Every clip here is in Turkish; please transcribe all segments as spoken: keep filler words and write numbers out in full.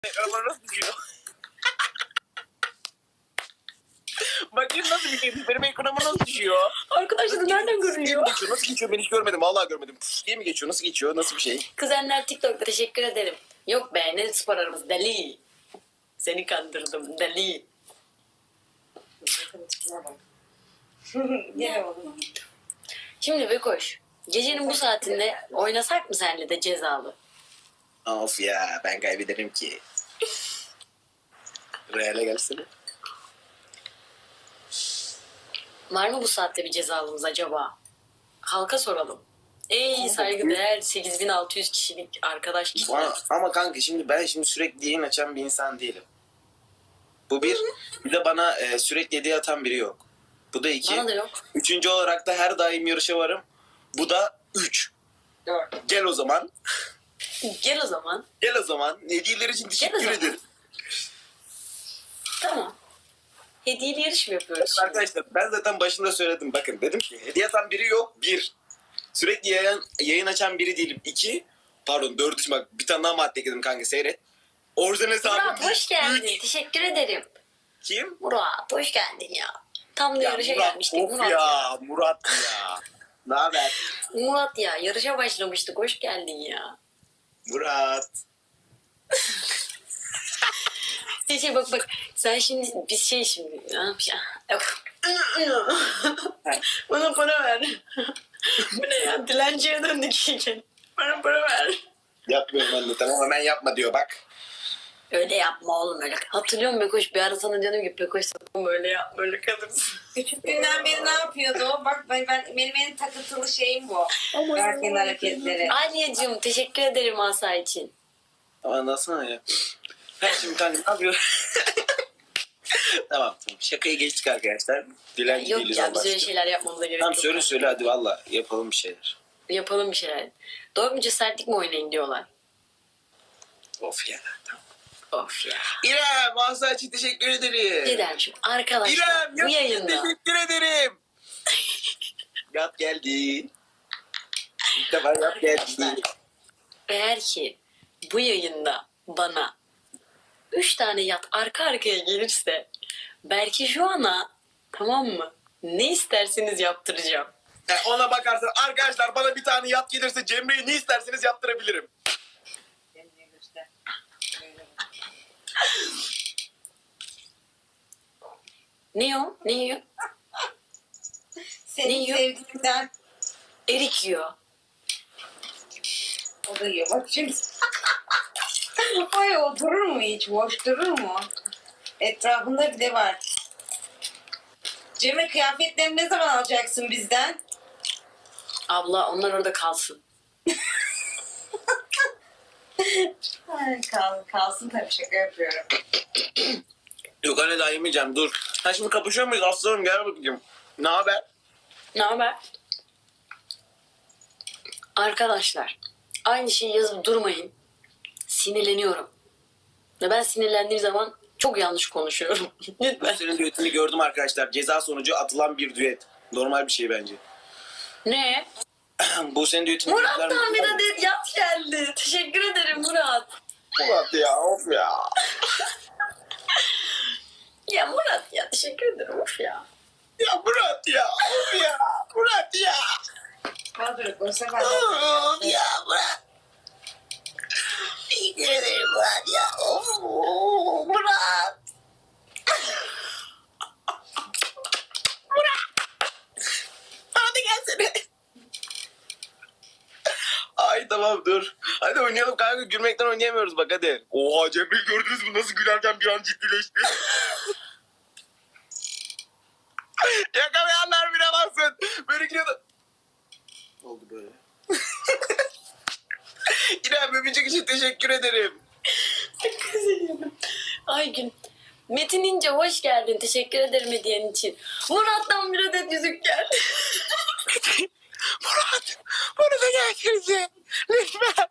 Ama nasıl düşüyor? Bakayım nasıl bir şey? Benim ekranıma nasıl düşüyor? Arkadaşlar nereden görünüyor? Geçiyor. Nasıl geçiyor? Ben hiç görmedim. Vallahi görmedim. Puf diye mi geçiyor? Nasıl geçiyor? Nasıl bir şey? Kuzenler TikTok'ta teşekkür ederim. Yok be ne spor aramız deli. Seni kandırdım deli. Gene oldu. Şimdi Bekoş, gecenin bu saatinde oynasak mı senle de cezalı? Of ya ben kaybederim ki. Real'e gelsene. Var mı bu saatte bir cezalımız acaba? Halka soralım. Ey saygıdeğer sekiz bin altı yüz kişilik arkadaş kitle. Ama, ama kanka şimdi ben şimdi sürekli yayın açan bir insan değilim. Bu bir. Bir de bana e, sürekli hediye atan biri yok. Bu da iki. Bana da yok. Üçüncü olarak da her daim yarışa varım. Bu da üç. Dört. Gel o zaman. Gel o zaman. Gel o zaman. Hediyeler için teşekkür zaman. ederim. Tamam. Hediyeli yarış mı yapıyoruz şimdi? Arkadaşlar ben zaten başında söyledim. Bakın dedim ki hediye atan biri yok. Bir. Sürekli yayın, yayın açan biri değilim. İki. Pardon dördüncü bak bir tane daha madde ekledim kanka seyret. Orijinal hesabım. Murat hoş geldin. Üç. Teşekkür ederim. Kim? Murat hoş geldin ya. Tam da Ya yarışa Murat, gelmiştik. of Murat ya, ya. Murat ya. Ne haber? Murat ya yarışa başlamıştık. Hoş geldin ya. Murat. Şey, şey bak bak sen şimdi biz şey şimdi ne yapacağız? Bana para ver. Bu ne ya dilenciye döndük iyice. Bana para ver. Yapmıyorum ben de tamam hemen yapma diyor bak. Öyle yapma oğlum öyle. Hatırlıyorum Bekoş bir ara sana diyorum ki Bekoş sakın böyle yapma böyle kalırsın. Küçüklüğünden beri ne yapıyordu o? Bak ben, ben benim en takıntılı şeyim bu. Erken hareketleri. Aliyeciğim teşekkür ederim Asa için. Ama nasıl ya? Ha şimdi kanka ne yapıyor? Tamam tamam şakayı geçtik arkadaşlar. Dilenci Yok değiliz ya Allah biz öyle aşkına. şeyler yapmamıza gerek Tamam yok. söyle söyle hadi valla yapalım bir şeyler. Yapalım bir şeyler. Doğru mu cesaretlik mi oynayın diyorlar. Of ya tamam. Of ya. İrem Mahsa için teşekkür ederim. Gidermişim. Arkadaşlar İrem bu yap yayında. teşekkür ederim. Yap geldi. İlk defa yap geldi. Arkadaşlar eğer ki bu yayında bana üç tane yat arka arkaya gelirse belki şu ana tamam mı? Ne isterseniz yaptıracağım. Yani ona bakarsan arkadaşlar bana bir tane yat gelirse Cemre'yi ne isterseniz yaptırabilirim. Ne o? Ne yiyor? Ne Senin yiyor? sevdiğinden Erik yiyor. o da yiyor. Bak şimdi. Ay o durur mu hiç? Boş durur mu? Etrafında bir de var. Cemre kıyafetlerini ne zaman alacaksın bizden? Abla onlar orada kalsın. Ay, kal, kalsın tabii şaka yapıyorum. Yok anne daha yemeyeceğim dur. Ha şimdi kapışıyor muyuz aslanım gel bakayım. Ne haber? Ne haber? Arkadaşlar aynı şeyi yazıp durmayın. Sinirleniyorum. Ve ben sinirlendiğim zaman çok yanlış konuşuyorum. Lütfen. Senin düetini gördüm arkadaşlar. Ceza sonucu atılan bir düet. Normal bir şey bence. Ne? Bu senin düetini Murat'tan bir adet yat geldi. Teşekkür ederim Murat. Murat ya of ya. Ya Murat ya teşekkür ederim. Of ya. Ya Murat ya of ya. Murat ya. Kaldır o sefer. Of ya Murat. Teşekkür ederim Murat ya. Of Murat. Murat. Hadi gelsene. Ay tamam dur. Hadi oynayalım kanka. Gülmekten oynayamıyoruz bak hadi. Oha Cemre'yi gördünüz mü? Nasıl gülerken bir an ciddileşti. Yakalayanlar bile baksın. Böyle gidiyordu. Oldu böyle. İrem öpücük için teşekkür ederim. Çok üzülüyorum. Aygün. Metin İnce hoş geldin. Teşekkür ederim hediyen için. Murat'tan bir adet yüzük geldi. Murat. Bunu da gelsinize. Lütfen.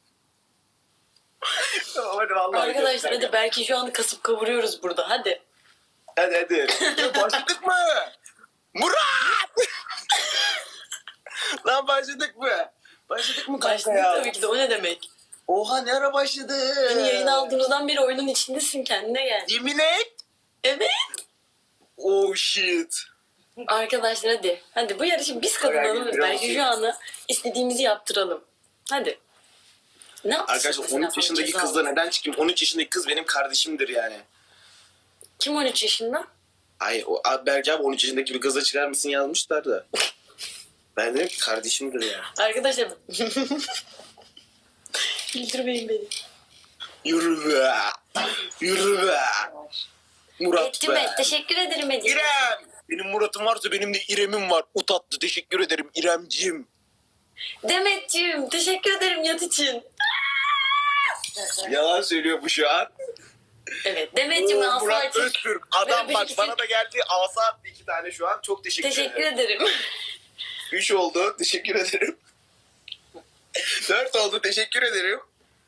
Tamam hadi vallahi. Arkadaşlar hadi belki şu an kasıp kavuruyoruz burada. Hadi. Hadi hadi. Ya başladık mı? Murat! Lan başladık mı? Başladık mı kanka Başladık ya? tabii ki de o ne demek? Oha ne ara başladı? Beni yayına aldığımızdan beri oyunun içindesin, kendine gel. Yemin et. Evet. Oh shit. Arkadaşlar hadi. Hadi bu yarışı biz kazanalım. Biraz Belki şey- şu anı istediğimizi yaptıralım. Hadi. Ne yapsın? Arkadaşlar mesela on üç falan yaşındaki ceza kızla olarak? neden çıkayım? on üç yaşındaki kız benim kardeşimdir yani. Kim on üç yaşında? Ay o abi Berke abi on üç yaşındaki bir kızla çıkar mısın yazmışlar da. Ben dedim ki kardeşimdir yani. Arkadaşlar. Güldürmeyin beni. Yürü be. Yürü be. Murat Ettim be. et. Teşekkür ederim Ece. İrem. Benim Murat'ım varsa benim de İrem'im var. O tatlı teşekkür ederim İremciğim. Demetciğim teşekkür ederim yat için. Yalan söylüyor bu şu an. Evet Demetciğim Oo, asa Murat için. Öztürk. Adam Ve bak öpücük bana için. da geldi. Asa attı iki tane şu an. Çok teşekkür, Teşekkür ederim. ederim. Üç oldu. Teşekkür ederim. Dört oldu. Teşekkür ederim.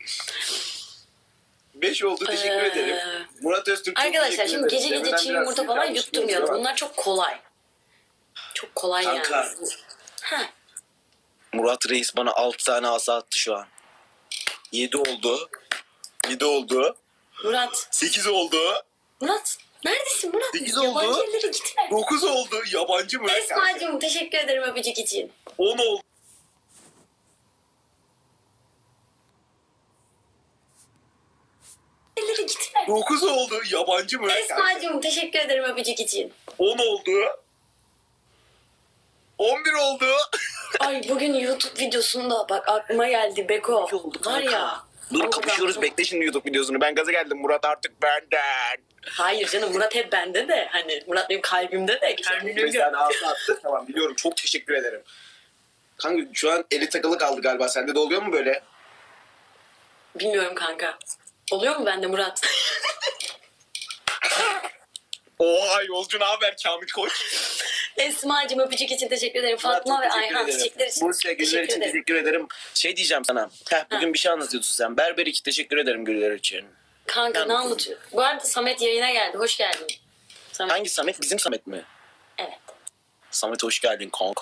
Beş oldu. Teşekkür Ee, ederim. Murat Öztürk çok Arkadaşlar teşekkür şimdi ederim. gece gece Demeden çiğ biraz yumurta sinir falan kalmış yutturmayalım. mıyız ama? Bunlar çok kolay. Çok kolay Kanka. yani. Ha. Murat Reis bana altı tane asa attı şu an. Yedi oldu. Yedi oldu. Murat. Sekiz oldu. Murat. Neredesin Murat? Sekiz Yabancı oldu. yerlere gitme. Dokuz oldu. Yabancı mı? Esma'cığım teşekkür ederim öpücük için. On oldu. Yerlere gitme. Dokuz oldu. Yabancı mı? Esma'cığım teşekkür ederim öpücük için. On oldu. On bir oldu. Ay bugün YouTube videosunda bak aklıma geldi Beko. oldu Var kanka. ya. Dur Ama kapışıyoruz. ben- Bekle şimdi YouTube videosunu. Ben gaza geldim. Murat artık benden. Hayır canım Murat hep bende de. Hani Murat benim kalbimde de. Kendine Bir gör. tane asa attı. Tamam biliyorum. Çok teşekkür ederim. Kanka şu an eli takılı kaldı galiba. Sende de oluyor mu böyle? Bilmiyorum kanka. Oluyor mu bende Murat? Oha yolcu ne haber Kamil Koç? Esma'cığım öpücük için teşekkür ederim. Fatma Murat, ve çok teşekkür Ayhan ederim. çiçekler için Bursa güller teşekkür için ederim. teşekkür ederim. Şey diyeceğim sana. Heh, bugün bir şey anlatıyorsun sen. Berber iki teşekkür ederim güller için. Kanka Yani- ne anlatıyor? Bu arada Samet yayına geldi. Hoş geldin. Samet. Hangi Samet? Bizim Samet mi? Evet. Samet hoş geldin kanka.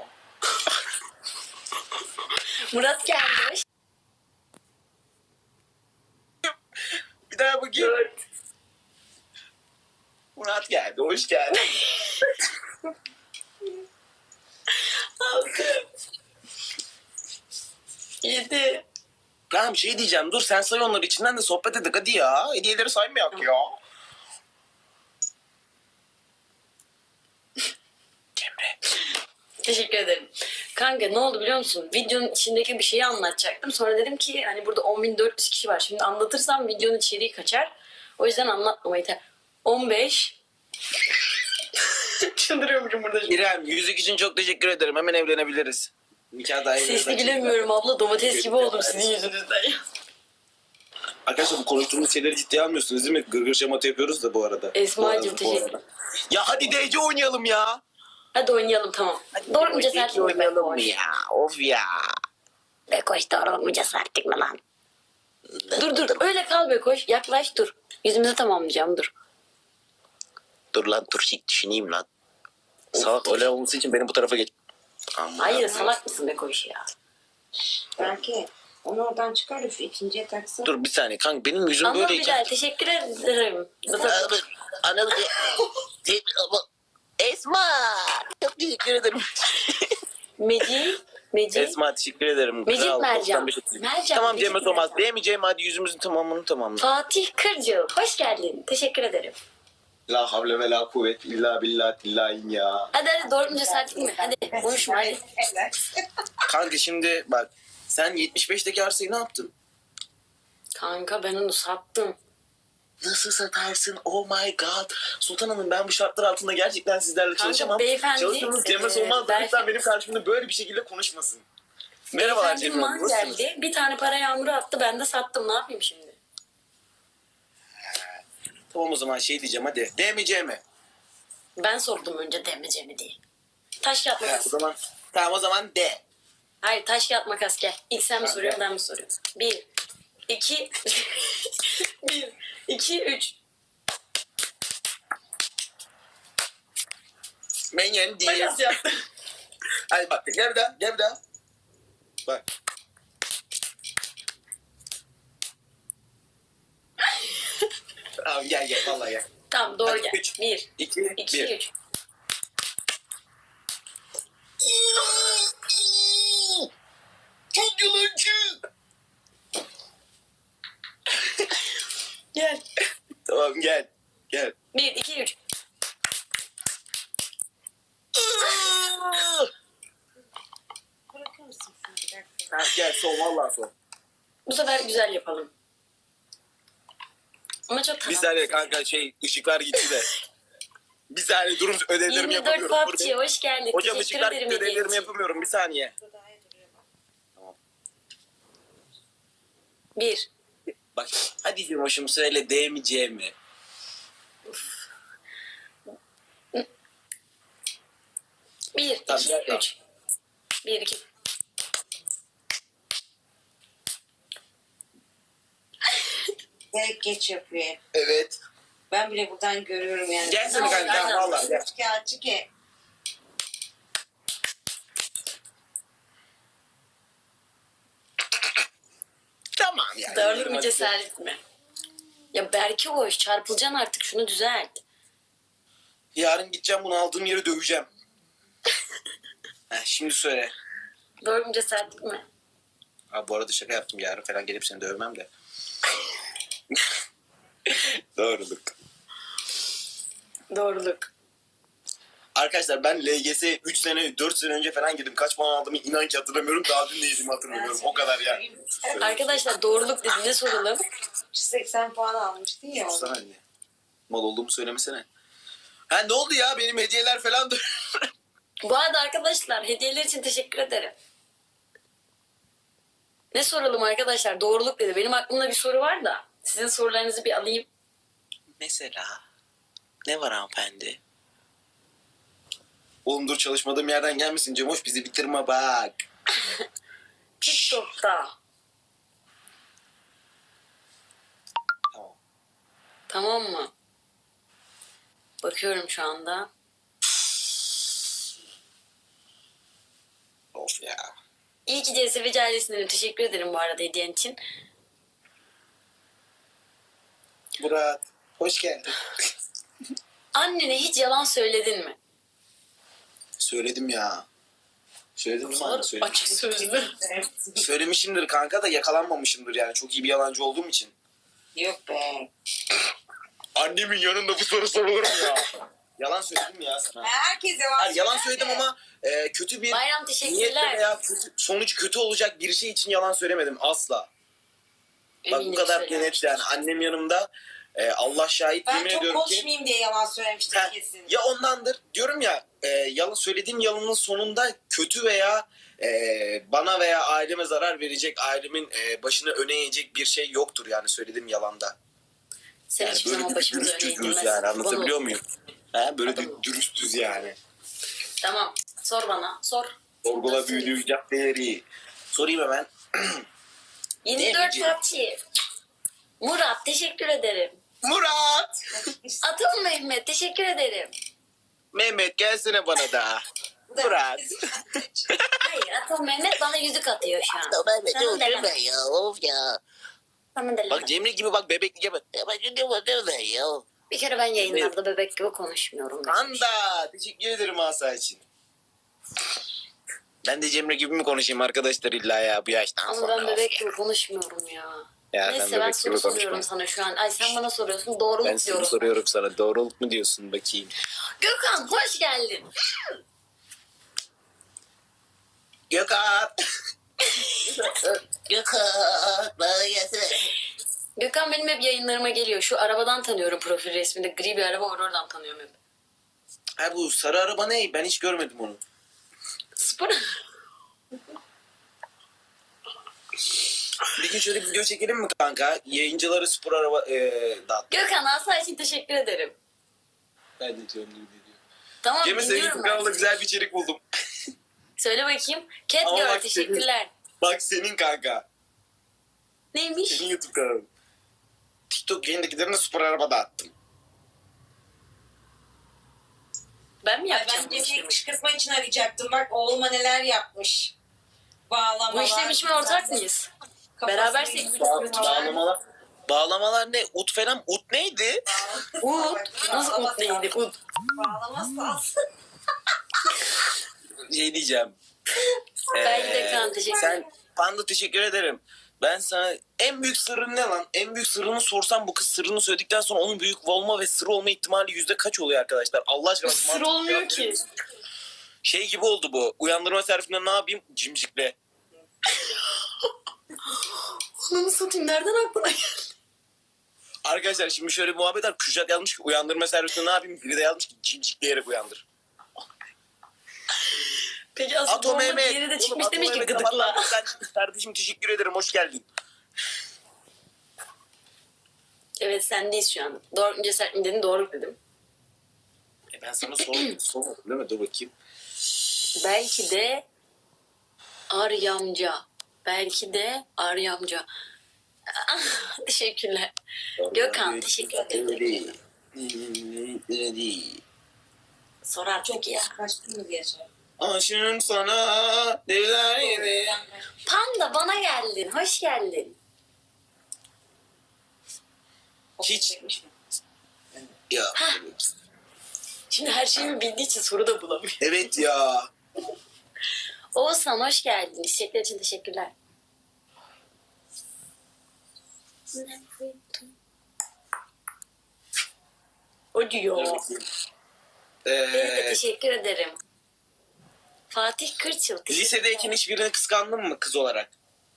Murat geldi. Hoş Bir daha bakayım. Murat geldi. Hoş geldin. Altı. Yedi. Lan bir şey diyeceğim. Dur sen say onları içinden de sohbet edelim hadi ya. Hediyeleri saymayak ya. Cemre. Teşekkür ederim. Kanka ne oldu biliyor musun? Videonun içindeki bir şeyi anlatacaktım. Sonra dedim ki hani burada on bin dört yüz kişi var. Şimdi anlatırsam videonun içeriği kaçar. O yüzden anlatmamayı ter. on beş. Çıldırıyormuşum burada şimdi. İrem yüzük için çok teşekkür ederim. Hemen evlenebiliriz. Nikah dahi Sesli gülemiyorum abla. Domates gibi oldum sizin yüzünüzden ya. Arkadaşlar bu konuştuğumuz şeyleri ciddiye almıyorsunuz değil mi? Gırgır şamata yapıyoruz da bu arada. Esma'cığım, Bu arada, bu teşekkür- arada. Ya hadi D C oynayalım ya. Hadi oynayalım tamam. Doğru mu cesaretlik mi oynayalım mı Bekoş? ya? Of ya. Bekoş doğru mu cesaretlik mi lan? Dur dur öyle kal Bekoş. Yaklaş dur. Yüzümüzü tamamlayacağım dur. Dur lan dur şey düşüneyim lan. Salak öyle olması için benim bu tarafa geç. Aman Hayır Allah'ım. salak mısın Bekoş ya? Belki onu oradan çıkarıp şu ikinciye taksın. Dur bir saniye kanka benim yüzüm Anıl böyleyken. Bilal teşekkür ederim. Anıl Esma. Çok teşekkür ederim. Meci. Meci. Esma teşekkür ederim. Mecit Kral, Mercan. doksan beş otuz. Mercan, Tamam Mecit Cemre Tomaz. Mercan. Diyemeyeceğim hadi yüzümüzün tamamını tamamla. Fatih Kırcıl. Hoş geldin. Teşekkür ederim. La havle ve la kuvvet illa billah illahin ya. Hadi hadi doğru mu cesaretlik mi? Hadi konuşma hadi. Evet. Kanka şimdi bak sen yetmiş beşteki arsayı ne yaptın? Kanka ben onu sattım. Nasıl satarsın? Oh my god. Sultan Hanım ben bu şartlar altında gerçekten sizlerle Kanka, çalışamam. beyefendi, Çalıştığınız Cemre e, Solmaz da belki- lütfen benim karşımda böyle bir şekilde konuşmasın. Merhabalar Beyefendi Cemre Hanım. man Nasılsınız? geldi. Bir tane para yağmuru attı. Ben de sattım. Ne yapayım şimdi? Tamam o zaman şey diyeceğim hadi. D mi C mi? Ben sordum önce demeyeceğimi değil. Taş kağıt Ha, makas. o zaman tamam o zaman D. Hayır taş kağıt makas gel. İlk sen mi Tamam, soruyorsun gel. ben mi soruyorum? Bir. iki. Bir. iki. Üç. Ben yendim. Makas yaptım. Hadi bak gel bir daha gel bir daha. Bak. Tamam gel gel vallahi gel. Tamam doğru Hadi, gel. üç, Bir, iki, iki, bir. üç. Çok yalancı. Gel. Tamam gel. Gel. Bir, iki, üç. Bırakır mısın şunu bir dakika? Tamam gel son vallahi son. Bu sefer güzel yapalım. Ama çok Bir tamam. saniye kanka şey ışıklar gitti de. Bir saniye durun ödevlerimi yirmi dört yapamıyorum. P U B G Dur be. hoş geldin. Hocam Teşekkür ışıklar ederim gitti hediyen ödevlerimi için. yapamıyorum bir saniye. Burada daha iyi duruyor bak. Bir. Bak hadi Cemoş'um söyle D mi C mi? Bir, Tamam, iki, tamam. üç. Bir, iki. Direkt geç yapıyor. Evet. Ben bile buradan görüyorum yani. Gelsene Ne kanka oldu? vallahi gel. Kağıtçı ki. Tamam yani. Darlık mı cesaret mi? Ya Berke hoş çarpılacaksın artık şunu düzelt. Yarın gideceğim bunu aldığım yere döveceğim. Heh, şimdi söyle. Doğru mu cesaret mi? Ha, bu arada şaka yaptım yarın falan gelip seni dövmem de. Doğruluk. Doğruluk. Arkadaşlar ben L G S üç sene dört sene önce falan girdim. Kaç puan aldığımı inan ki hatırlamıyorum. Daha dün neydim hatırlamıyorum. O kadar yani. Arkadaşlar doğruluk dediğinde soralım. yüz seksen puan almıştın ya. Sana ne? Mal olduğumu söylemesene. Ha ne oldu ya benim hediyeler falan da. Bu arada arkadaşlar hediyeler için teşekkür ederim. Ne soralım arkadaşlar? Doğruluk dedi. Benim aklımda bir soru var da. Sizin sorularınızı bir alayım. Mesela ne var hanımefendi? Oğlum dur çalışmadığım yerden gelmesin Cemoş bizi bitirme bak. TikTok'ta. Tamam. Tamam mı? Bakıyorum şu anda. Of ya. İyi ki C S V ailesine teşekkür ederim bu arada hediyen için. Murat hoş geldin. Annene hiç yalan söyledin mi? Söyledim ya. Söyledim mi Sor, sana? Söyledim. açık sözlü. Söylemişimdir kanka da yakalanmamışımdır yani. Çok iyi bir yalancı olduğum için. Yok be. Annemin yanında bu soru sorulur mu ya? Yalan söyledim ya sana. Herkes yalan Hayır, yalan söyler söyledim de. ama e, kötü bir Bayram niyetle teşekkürler. veya kötü, sonuç kötü olacak bir şey için yalan söylemedim asla. Bak bu Eminim kadar söylemiştir. net yani. Annem yanımda e, Allah şahit Ben yemin çok ediyorum ki. konuşmayayım diye yalan söylemiştim Heh, kesin. ya ondandır. Diyorum ya e, yalan söylediğim yalanın sonunda kötü veya e, bana veya aileme zarar verecek, ailemin e, başını öne eğecek bir şey yoktur yani söylediğim yalanda. Sen Yani hiçbir böyle zaman bir başımıza dürüst öne düzgünüz eğilmez. yani anlatabiliyor Bunu- muyum? He, böyle Adam- bir dürüstüz yani. Tamam. Sor bana. Sor. Sorgula Nasıl? büyülü caddeleri. Sorayım hemen. yirmi dört Demeyeceğim. P U B G. Murat teşekkür ederim. Murat! Atıl Mehmet teşekkür ederim. Mehmet gelsene bana da. Bu da- Murat. Hayır Atıl Mehmet bana yüzük atıyor şu an. Mehmet Sana dur deleme. deme ya of ya. Sana deleme. Bak Cemre gibi bak bebeklik yapma. Ya bak deme deme ya. Bir kere ben yayınlarda bebek gibi konuşmuyorum. Anda teşekkür ederim Asa için. Ben de Cemre gibi mi konuşayım arkadaşlar illa ya bu yaştan Ama sonra. ben bebek gibi konuşmuyorum ya. Ya sen Neyse ben bebek soru gibi soruyorum konuşma. sana şu an. Ay sen bana soruyorsun doğruluk Ben sana diyorum. soruyorum sana doğruluk mu diyorsun bakayım. Gökhan hoş geldin. Gökhan. Gökhan bana gelsene. Gökhan benim hep yayınlarıma geliyor. Şu arabadan tanıyorum profil resminde. Gri bir araba var oradan tanıyorum hep. Ha bu sarı araba ne? Ben hiç görmedim onu. Spor. Bir gün şöyle bir video çekelim mi kanka? Yayıncıları spor araba ee, dağıt. Gökhan Asa için teşekkür ederim. Ben de diyorum gibi diyor. Tamam Cemre senin dinliyorum YouTube kanalında ben. güzel bir içerik buldum. Söyle bakayım. Cat Ama Girl bak teşekkürler. Bak senin kanka. Neymiş? Senin YouTube kanalın. TikTok yayındakilerine spor araba dağıttım. Ben mi Ay, yapacağım ben bu Cemre'yi işlemi? kışkırtma için arayacaktım. Bak oğluma neler yapmış. Bağlamalar. Bu işlem içime ortak mıyız? Beraber Kafasını sekiz- Bağ, kıstırmalar. bağlamalar. Bağlamalar ne? Ut falan. Ut neydi? Ud. Nasıl ud neydi? Ud. Bağlaması lazım. Şey diyeceğim. Belki de Ee, Kaan, teşekkür Sen ederim. Panda teşekkür ederim. Ben sana en büyük sırrın ne lan? En büyük sırrını sorsam bu kız sırrını söyledikten sonra onun büyük olma ve sır olma ihtimali yüzde kaç oluyor arkadaşlar? Allah aşkına. Sır mantıklı olmuyor cevap ki. verir misin? Şey gibi oldu bu. Uyandırma servisinde ne yapayım? Cimcikle. Onu satayım, nereden aklına geldi? Arkadaşlar şimdi şöyle bir muhabbet var. Kürşat yazmış ki uyandırma servisinde ne yapayım? Biri de yazmış ki cimcikleyerek uyandır. Peki aslında Atom bomba Mehmet. diğeri de Oğlum, çıkmış Atom demiş ki Mehmet gıdıkla. kapattan sen- Kardeşim teşekkür ederim. Hoş geldin. Evet, sendeyiz şu an. Doğru mu cesaret mi dedin? Doğru dedim. E ben sana sordum. Sormadım değil mi? Dur bakayım. Belki de Aryamca. Belki de Aryamca. Ah, teşekkürler. Gökhan, teşekkür ederim. Sorar çok ya. Kaçtın mı gece? Aşığım sana neler Panda, bana geldin. Hoş geldin. Hiç. Ya. Şimdi her şeyimi bildiği için soru da bulamıyor. Evet ya. Oğuzhan, hoş geldin. İstekler için teşekkürler. O diyor. Evet de Ee, teşekkür ederim. Fatih Kırçıl. teşekkür lisedeyken ederim. hiçbirini kıskandın mı kız olarak?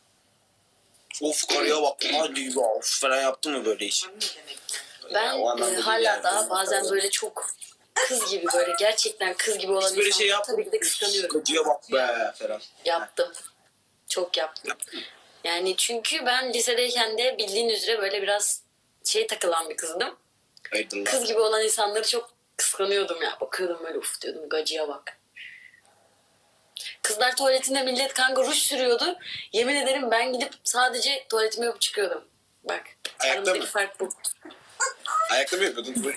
Of karıya bak. Hadi ya. Of falan yaptın mı böyle iş? Ne demek? Ben Ya, o anlamda e, değil hala yani. daha bazen böyle çok kız gibi, böyle gerçekten kız gibi olan Hiç böyle şey insanları yaptın tabii ki de mı? kıskanıyorum. Kıcıya bak be falan. Yaptım. Çok yaptım. Yani çünkü ben lisedeyken de bildiğin üzere böyle biraz şey takılan bir kızdım. Hayırdır Kız lan. gibi olan insanları çok kıskanıyordum ya. Bakıyordum böyle, uf diyordum, gacıya bak. Kızlar tuvaletinde millet kanka ruj sürüyordu. Yemin ederim ben gidip sadece tuvaletimi yapıp çıkıyordum. Bak. Ayakta aramızdaki mı? fark bu. Ayakta mı yapıyordun?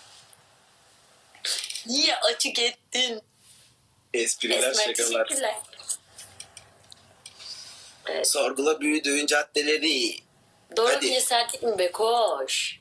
Niye açık ettin? Espriler, Esmer, şakalar. teşekkürler. Evet. Sorgula büyüdüğün caddeleri. Doğru Hadi. bir cesaretlik mi be koş?